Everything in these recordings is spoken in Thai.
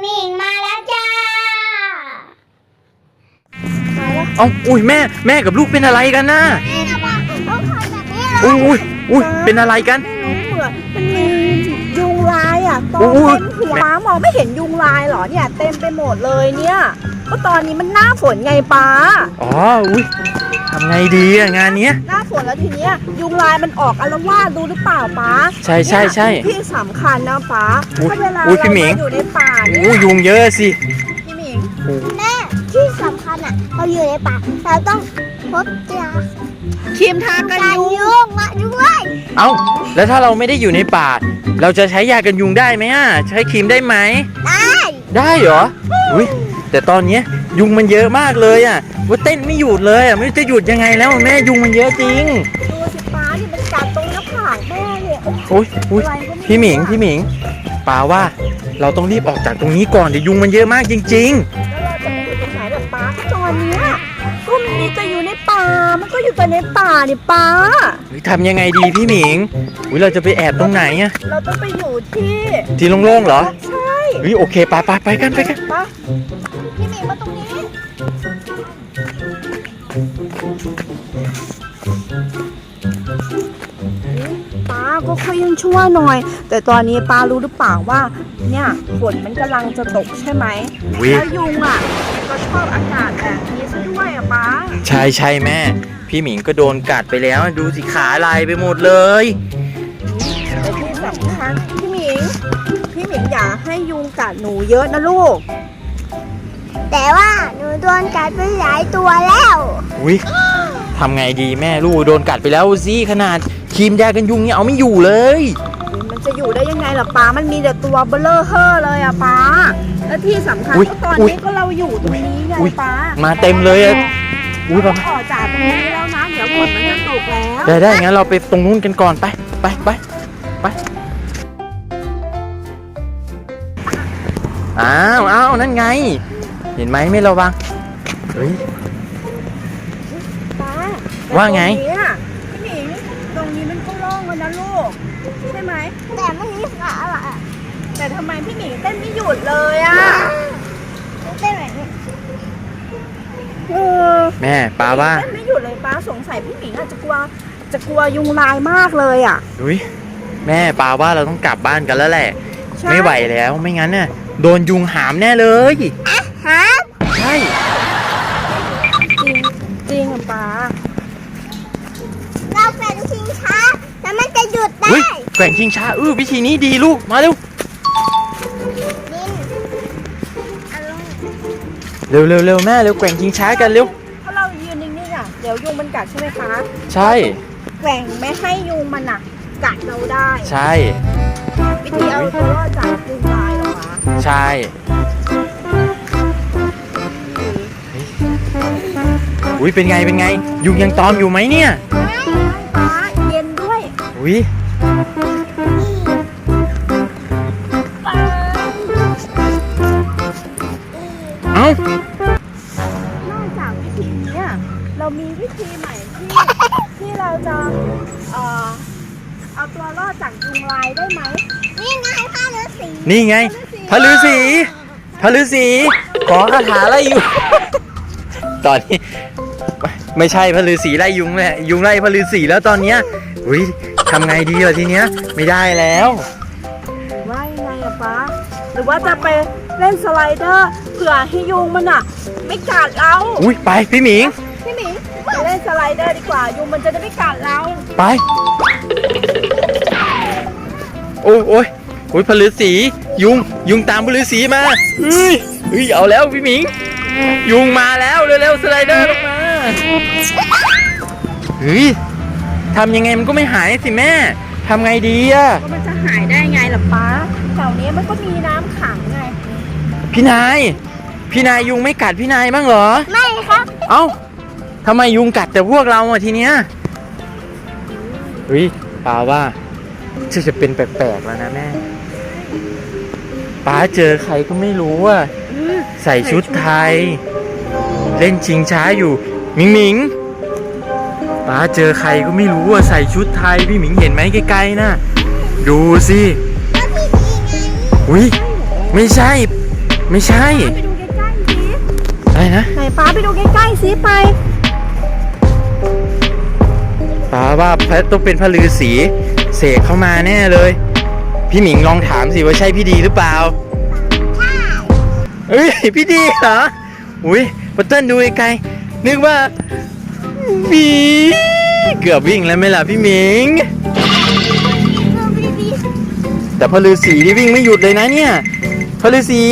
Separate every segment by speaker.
Speaker 1: มิงมาแล้วจ้า
Speaker 2: เอาอุ้ยแม่กับลูกเป็นอะไรกันน่ะอุ้ยเป็นอะไรกัน
Speaker 3: มันมียุงลายอ่ะตอนเต็มหัวป้ามองไม่เห็นยุงลายเหรอเนี่ยเต็มไปหมดเลยเนี่ยก็ตอนนี้มันหน้าฝนไงป้า
Speaker 2: อ๋ออุ้ยทำไงดีอะงานเนี้ย
Speaker 3: หน้าฝนแล้วทีเนี้ยยุงลายมันออกอาละวาดดูหรือเปล่าป้า
Speaker 2: ใช่
Speaker 3: ที่สำคัญนะป้าถ้าเวลาเราอยู่ในป่า
Speaker 2: เนี่ยยุงเยอะสิ
Speaker 3: พี่หมิง
Speaker 1: แม่ที่สำคัญอ่ะเราอยู่ในป่าเราต้องพกยา
Speaker 3: ครีมทากันยุง
Speaker 1: มาด้วย
Speaker 2: เอ้าแล้วถ้าเราไม่ได้อยู่ในป่าเราจะใช้ยากันยุงได้ไหมอ่ะใช้ครีมได้ไหมได้เหรออุ้ยแต่ตอนนี้ยุงมันเยอะมากเลยอ่ะว่าเต้นไม่หยุดเลยอ่ะไม่รู้จะหยุดยังไงแล้วแม่ยุงมันเยอะจริง
Speaker 3: ดูสิป้าที่มันกัดตรงหน้าผากแม่เนี่ย
Speaker 2: อุ้ยพี่หมิงป้าว่าเราต้องรีบออกจากตรงนี้ก่อนเดี๋ยวยุงมันเยอะมากจริงๆ
Speaker 3: แล้วเราจะไปอยู่ตรงไหนแบบป้าตอนนี้ก็มีแต่อยู่ในป่ามันก็อยู่แต่ในป่านี่ป้า
Speaker 2: ทำยังไงดีพี่หมิงเราจะไปแอบตรงไหนอ่ะ
Speaker 3: เราต้องไปอยู่
Speaker 2: ที่โล่งๆเหรอ
Speaker 3: ใช่
Speaker 2: โอเคไปกัน
Speaker 3: ป้าพี่หมิงมาตรงนี้ป้าก็ค่อยยังชั่วหน่อยแต่ตอนนี้ป้ารู้หรือเปล่าว่าเนี่ยฝนมันกำลังจะตกใช่ไหมแล้วยุงอ่ะก็ชอบอากาศแบบนี้ซะด้วยอ่ะป้า
Speaker 2: ใช่แม่พี่หมิงก็โดนกัดไปแล้วดูสิขาลายไปหมดเลย
Speaker 3: แต่ที่สำคัญพี่หมิงอย่าให้ยุงกัดหนูเยอะนะลูก
Speaker 1: แต่ว่าหนูโดนกัดไปหลายตัวแล้ว
Speaker 2: ทำไงดีแม่ลูกโดนกัดไปแล้วสิขนาดครีมยากันยุงเนี่ยเอาไม่อยู่เลย
Speaker 3: มันจะอยู่ได้ยังไงล่ะป้ามันมีแต่ตัวเบลอเฮ่อเลยอะป้าและที่สำคัญก็ตอนนี้ก็เราอยู่ตรงนี้ไงป้า
Speaker 2: มาเต็มเลยอะ
Speaker 3: ป้าออกจากตรงนี้แล้วนะเดี๋ยวฝนมันจะตกแล้ว
Speaker 2: ได้งั้นเราไปตรงนู้นกันก่อนไปอ้าวนั่นไงเห็นไหมไม่ระวัง
Speaker 3: ป้า
Speaker 2: ว่าไง
Speaker 3: พี่หมิงตรงนี้มันก็โล่งแล้วนะลูกใช่ไหม
Speaker 1: แต่ไม่มีขาอะไร
Speaker 3: แต่ทำไมพี่หมิงเต้นไม่หยุดเลยอ่ะ
Speaker 1: เต้นแบบนี้
Speaker 2: แม่ป้าว่า
Speaker 3: เต้นไม่หยุดเลยป้าสงสัยพี่หมิงอาจจะกลัวยุงลายมากเลยอ่ะ
Speaker 2: แม่ป้าว่าเราต้องกลับบ้านกันแล้วแหละไม่ไหวแล้วไม่งั้นน่ะโดนยุงหามแน่เลย
Speaker 1: หาม
Speaker 2: ใช่
Speaker 3: จริงอ่ะป้า
Speaker 1: เราแกว่งชิงช้าแล้วมันจะหยุดได้
Speaker 2: แกว่งชิงช้าวิธีนี้ดีลูกมาเร็วเร็วแม่เร็วแกว่งชิงช้ากันเร็ว
Speaker 3: ถ้าเรายืนนิ่งๆอ่ะเดี๋ยวยุงมันกัดใช่ไหมคะ
Speaker 2: ใช่
Speaker 3: แกว่งไม่ให้ยุงมันกัดเราได้
Speaker 2: ใช่
Speaker 3: วิธีเอาตัวรอดจากยุงลายเหรอคะ
Speaker 2: ใช่เป็นไงยุงยังตอมอยู่ไหมเนี่ย
Speaker 3: ป้าเย็นด้วย
Speaker 2: นอก
Speaker 3: จากวิธีนี้เรามีวิธีใหม่ที่เราจะเอาตัวรอดจากยุงลายได้ไหม
Speaker 1: นี่ไงพระฤาษี
Speaker 2: นี่ไงพระฤาษีขอคาถาไล่ยุงตอนนี้ไม่ใช่พระฤาษีไล่ยุงแหละยุงไล่พระฤาษีแล้วตอนเนี้ยทำไงดีล่ะทีเนี้ยไม่ได้แล้ว
Speaker 3: ว่ายังไงอะป้าหรือว่าจะไปเล่นสไลเดอร์เผื่อให้ยุงมันไม่กัดเรา
Speaker 2: ไปพี่หมิง
Speaker 3: ไปเล่นสไลเดอร์ดีกว่ายุงมันจะได้ไม่กัดเรา
Speaker 2: ไปโอ้ยพระฤาษียุงตามพระฤาษีมาเอาแล้วพี่หมิงยุงมาแล้วเร็วสไลเดอร์ลงมาทำยังไงมันก็ไม่หายสิแม่ทำไงดีอะ
Speaker 3: ก็มันจะหายได้ไงล่ะป้าแถวนี้มันก็มีน้ำขังไง
Speaker 2: พี่นายยุงไม่กัดพี่นายบ้างเหรอ
Speaker 1: ไม่ครับ
Speaker 2: เอ้าทำไมยุงกัดแต่พวกเราทีเนี้ยป้าว่าจะเป็นแปลกๆแล้วนะแม่ป้าเจอใครก็ไม่รู้ว่าใส่ชุดไทยเล่นชิงช้าอยู่หมิงป้าเจอใครก็ไม่รู้ว่าใส่ชุดไทยพี่หมิงเห็นไหมไกลๆนะดูสิไม่ใช่ไม่ใช่
Speaker 3: ไปดูใกล้ๆสิ
Speaker 2: อะไรนะ
Speaker 3: ไหนป้าไปดูใกล้ๆสิไป
Speaker 2: ป้าว่าต้องเป็นพระฤาษีเสกเข้ามาแน่เลย พี่หมิงลองถามสิว่าใช่พี่ดีหรือเปล่าเอ้ยพี่ดีเหรออุ้ยปัตเติ้ลดูไกลๆนึกว่าบีเกือบวิ่งแล้วไหมล่ะพี่หมิง แต่พระฤาษีที่วิ่งไม่หยุดเลยนะเนี่ยพระฤาษี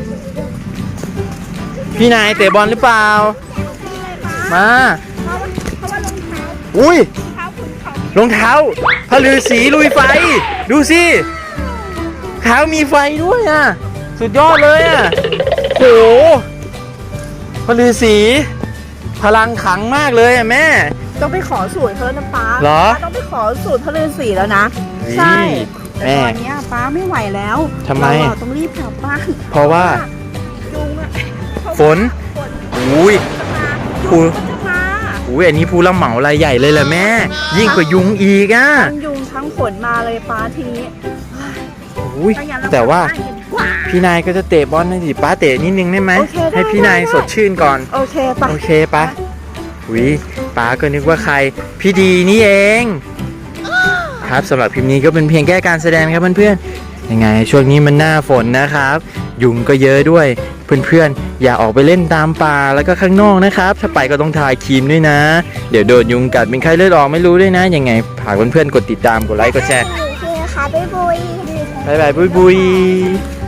Speaker 2: พี่นายเตะบอลหรือเปล่ามา
Speaker 1: เพราะว่ารองเท้า
Speaker 2: อุ้ย
Speaker 3: เท้าคุณเขา
Speaker 2: รองเท้าพระฤาษีลุยไฟดูสิเท้ามีไฟด้วยอ่ะสุดยอดเลยอ่ะโหพระฤาษีพลังขังมากเลยอ่ะแม่
Speaker 3: ต้องไปขอสูตรเขาแล้วนะป้า
Speaker 2: เหรอ
Speaker 3: ป้าต้องไปขอสูตรพระฤาษีแล้วนะ
Speaker 2: นี่
Speaker 3: ใช่แต่
Speaker 2: แม่
Speaker 3: ตอนเนี้ยป้าไม่ไหวแล้ว
Speaker 2: ทำไม
Speaker 3: เราอะต้องรีบกลับบ้าน
Speaker 2: เพราะว่า
Speaker 3: ยุงอะ
Speaker 2: ฝน
Speaker 3: ฝน
Speaker 2: อุ้ย
Speaker 3: ยุงก็จะมา
Speaker 2: อุ้ยอันนี้ผู้รับเหมารายใหญ่เลยแหละแม่ ยิ่งกว่ายุงอีกอ่ะ
Speaker 3: ทั้งยุงทั้งฝนมาเลยป้าทีนี้
Speaker 2: อุ้ย
Speaker 3: ถ้งั้นเร
Speaker 2: แต่ว่า
Speaker 3: กลับบ้นกันดีกว่า
Speaker 2: พี่นายก็จะเตะบอลนะสิป้าเตะนิดนึงได้ไหม
Speaker 3: โอเคได้
Speaker 2: ให้พี่นาย
Speaker 3: ได้
Speaker 2: สดชื่นก่อน
Speaker 3: โอเคปะ
Speaker 2: โอเคปะวิป้าก็นึกว่าใคร พี่ดีนี่เอง ครับสำหรับคลิปนี้ก็เป็นเพียงแค่การแสดงครับเพื่อนๆยังไงช่วงนี้มันหน้าฝนนะครับ ยุงก็เยอะด้วย เพื่อนๆอย่าออกไปเล่นตามป่าแล้วก็ข้างนอกนะครับ ถ้าไปก็ต้องทาครีมด้วยนะ เดี๋ยวโดนยุงกัดเป็นไข้เลือดออกไม่รู้ด้วยนะยังไงฝากเพื่อนๆกดติดตามกดไลค์กดแชร์
Speaker 1: โอเคค่ะบ๊ายบาย
Speaker 2: บ๊ายบายบุยบุย